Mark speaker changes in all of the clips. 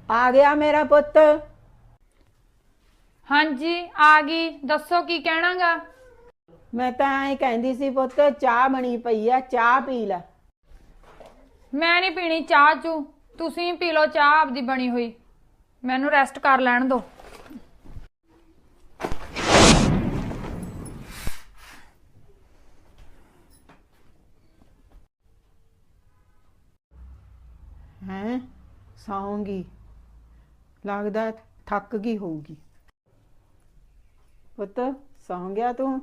Speaker 1: ਆ ਗਿਆ ਮੇਰਾ ਪੁੱਤ।
Speaker 2: ਹਾਂਜੀ ਆ ਗਈ, ਦੱਸੋ ਕੀ ਕਹਿਣਾਗਾ।
Speaker 1: ਮੈਂ ਤਾਂ ਐ ਕਹਿੰਦੀ ਸੀ ਪੁੱਤ, ਚਾਹ ਬਣੀ ਪਈ ਆ, ਚਾਹ ਪੀ ਲੈ।
Speaker 2: ਮੈਂ ਨਹੀਂ ਪੀਣੀ ਚਾਹ ਚੂ, ਤੁਸੀਂ ਪੀ ਲਓ ਚਾਹ ਆਪਦੀ ਬਣੀ ਹੋਈ, ਮੈਨੂੰ ਰੈਸਟ ਕਰ ਲੈਣ ਦਿਓ।
Speaker 1: ਹੈਂ, ਸੌਂਗੀ, ਲੱਗਦਾ ਥੱਕ ਗਈ ਹੋਊਗੀ। ਪੁੱਤ ਸੌਂ ਗਿਆ ਤੂੰ?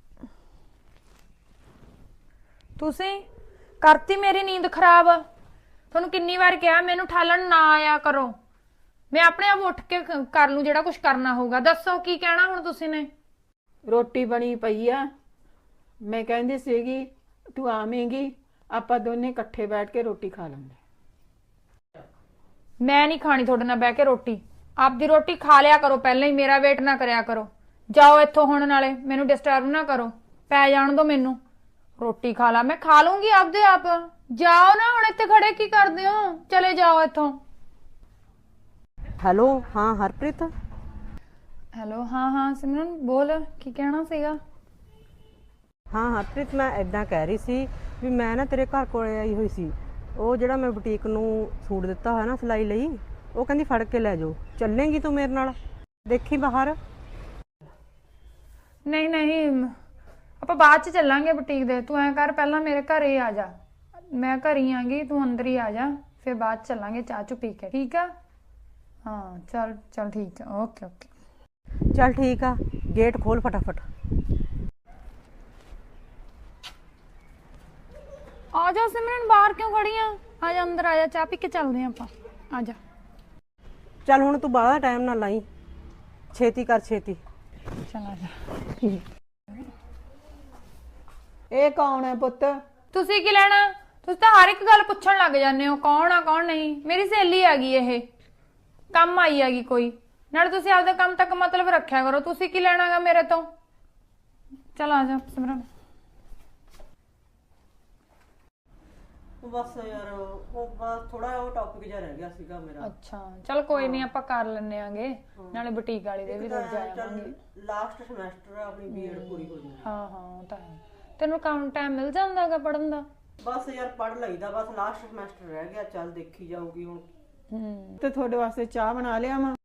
Speaker 2: ਤੁਸੀਂ ਕਰਤੀ ਮੇਰੀ ਨੀਂਦ ਖਰਾਬ। ਤੁਹਾਨੂੰ ਕਿੰਨੀ ਵਾਰ ਕਿਹਾ ਮੈਨੂੰ ਠਾਲਣ ਨਾ ਆਇਆ ਕਰੋ, ਮੈਂ ਆਪਣੇ ਆਪ ਉੱਠ ਕੇ ਕਰ ਲੂੰ ਜਿਹੜਾ ਕੁਝ ਕਰਨਾ ਹੋਊਗਾ। ਦੱਸੋ ਕੀ ਕਹਿਣਾ ਹੁਣ ਤੁਸੀਂ ਨੇ।
Speaker 1: ਰੋਟੀ ਬਣੀ ਪਈ ਆ, ਮੈਂ ਕਹਿੰਦੀ ਸੀਗੀ ਤੂੰ ਆਵੇਂਗੀ, ਆਪਾਂ ਦੋਨੇ ਇਕੱਠੇ ਬੈਠ ਕੇ ਰੋਟੀ ਖਾ ਲਾਂਗੇ।
Speaker 2: ਮੈਂ ਨਹੀਂ ਖਾਣੀ ਤੁਹਾਡੇ ਨਾਲ ਬਹਿ ਕੇ ਰੋਟੀ, ਆਪਦੀ ਰੋਟੀ ਖਾ ਲਿਆ ਕਰੋ ਪਹਿਲਾਂ ਹੀ, ਮੇਰਾ ਵੇਟ ਨਾ ਕਰਿਆ ਕਰੋ। ਜਾਓ ਇੱਥੋਂ ਹੁਣ, ਨਾਲੇ ਮੈਨੂੰ ਡਿਸਟਰਬ ਨਾ ਕਰੋ, ਪੈ ਜਾਣ ਦੋ ਮੈਨੂੰ। ਰੋਟੀ ਖਾ ਲਾ, ਮੈਂ ਖਾ ਲੂੰਗੀ ਆਪਦੇ ਆਪ। ਜਾਓ ਨਾ, ਹੁਣ ਇੱਥੇ ਖੜੇ ਕੀ ਕਰਦੇ ਹੋ, ਚਲੇ ਜਾਓ ਇੱਥੋਂ।
Speaker 3: ਹੈਲੋ, ਹਾਂ ਹਰਪ੍ਰੀਤ।
Speaker 2: ਹੈਲੋ, ਹਾਂ ਹਾਂ ਸਿਮਰਨ ਬੋਲ, ਕੀ ਕਹਿਣਾ ਸੀਗਾ।
Speaker 3: ਹਾਂ ਹਰਪ੍ਰੀਤ, ਮੈਂ ਇਦਾਂ ਕਹਿ ਰਹੀ ਸੀ ਵੀ ਮੈਂ ਨਾ ਤੇਰੇ ਘਰ ਕੋਲੇ ਆਈ ਹੋਈ ਸੀ। ਉਹ ਜਿਹੜਾ ਮੈਂ ਬੁਟੀਕ ਨੂੰ ਸੂਟ ਦਿੱਤਾ ਹੋਇਆ ਨਾ ਸਿਲਾਈ ਲਈ, ਉਹ ਕਹਿੰਦੀ ਫੜ ਕੇ ਲੈ ਜਾਓ। ਚੱਲੇਂਗੀ ਤੂੰ ਮੇਰੇ ਨਾਲ? ਦੇਖੀ ਬਾਹਰ।
Speaker 2: ਨਹੀਂ ਨਹੀਂ, ਆਪਾਂ ਬਾਅਦ ਚ ਚੱਲਾਂਗੇ ਬੁਟੀਕ ਦੇ। ਤੂੰ ਐਂ ਕਰ, ਪਹਿਲਾਂ ਮੇਰੇ ਘਰੇ ਆ ਜਾ, ਮੈਂ ਘਰ ਹੀ ਆਂਗੀ, ਤੂੰ ਅੰਦਰ ਹੀ ਆ ਜਾ, ਫਿਰ ਬਾਅਦ ਚ ਚੱਲਾਂਗੇ ਚਾਹ ਚੂ ਪੀ ਕੇ, ਠੀਕ ਆ। ਹਾਂ ਚੱਲ ਚੱਲ ਠੀਕ ਆ, ਓਕੇ ਓਕੇ।
Speaker 3: ਚੱਲ ਠੀਕ ਆ, ਗੇਟ ਖੋਲ ਫਟਾਫਟ।
Speaker 2: ਆ ਜਾ ਸਿਮਰਨ, ਬਾਹਰ ਕਿਉਂ ਖੜੀ ਆ? ਆ ਜਾ ਅੰਦਰ, ਆ ਜਾ, ਚਾਹ ਪੀ ਕੇ ਚੱਲਦੇ ਆਪਾਂ, ਆ ਜਾ।
Speaker 3: ਚੱਲ ਹੁਣ ਤੂੰ ਬਾਹਲਾ ਟਾਈਮ ਨਾ ਲਾਈ, ਛੇਤੀ ਕਰ ਛੇਤੀ।
Speaker 2: ਚੱਲ ਆ ਜਾ।
Speaker 1: ਇਹ ਕੌਣ ਹੈ ਪੁੱਤ?
Speaker 2: ਤੁਸੀਂ ਕੀ ਲੈਣਾ? ਤੁਸੀਂ ਤਾਂ ਹਰ ਇੱਕ ਗੱਲ ਪੁੱਛਣ ਲੱਗ ਜਾਂਦੇ ਹੋ, ਕੌਣ ਆ ਕੌਣ ਨਹੀਂ। ਮੇਰੀ ਸਹੇਲੀ ਹੈਗੀ, ਇਹ ਕੰਮ ਆਈ ਹੈਗੀ ਕੋਈ, ਨਾਲੇ ਤੁਸੀਂ ਆਪਦੇ ਕੰਮ ਤੱਕ ਮਤਲਬ ਰੱਖਿਆ ਕਰੋ। ਤੁਸੀਂ ਕੀ ਲੈਣਾਗਾ ਮੇਰੇ ਤੋਂ? ਚਲ ਆ ਜਾ ਸਿਮਰਨ।
Speaker 3: ਬਸ ਯਾਰ ਉਹ ਬਸ ਥੋੜਾ ਉਹ ਟੌਪਿਕ ਜਿਹਾ ਰਹਿ ਗਿਆ ਸੀਗਾ ਮੇਰਾ।
Speaker 2: ਅੱਛਾ ਚਲ ਕੋਈ ਨਹੀਂ, ਆਪਾਂ ਕਰ ਲੈਣੇ ਆਂਗੇ, ਨਾਲੇ ਬੁਟੀਕ ਵਾਲੀ ਦੇ ਵੀ ਰੁਕ ਜਾਵਾਂਗੇ।
Speaker 3: ਲਾਸਟ ਸਮੈਸਟਰ ਆਪਣੀ ਬੀਐਡ ਪੂਰੀ ਹੋ ਜਾਣੀ।
Speaker 2: ਹਾਂ ਹਾਂ ਉਹ ਤਾਂ ਹੈ। ਤੈਨੂੰ ਕੰਮ ਟਾਈਮ ਮਿਲ ਜਾਂਦਾਗਾ ਪੜਨ ਦਾ?
Speaker 3: ਬਸ ਯਾਰ ਪੜ ਲਈਦਾ, ਬਸ ਲਾਸਟ ਸਮੈਸਟਰ ਰਹਿ ਗਿਆ, ਚੱਲ ਦੇਖੀ ਜਾਊਗੀ ਹੁਣ।
Speaker 1: ਤੇ ਤੁਹਾਡੇ ਵਾਸਤੇ ਚਾਹ ਬਣਾ ਲਿਆ ਮਾਂ?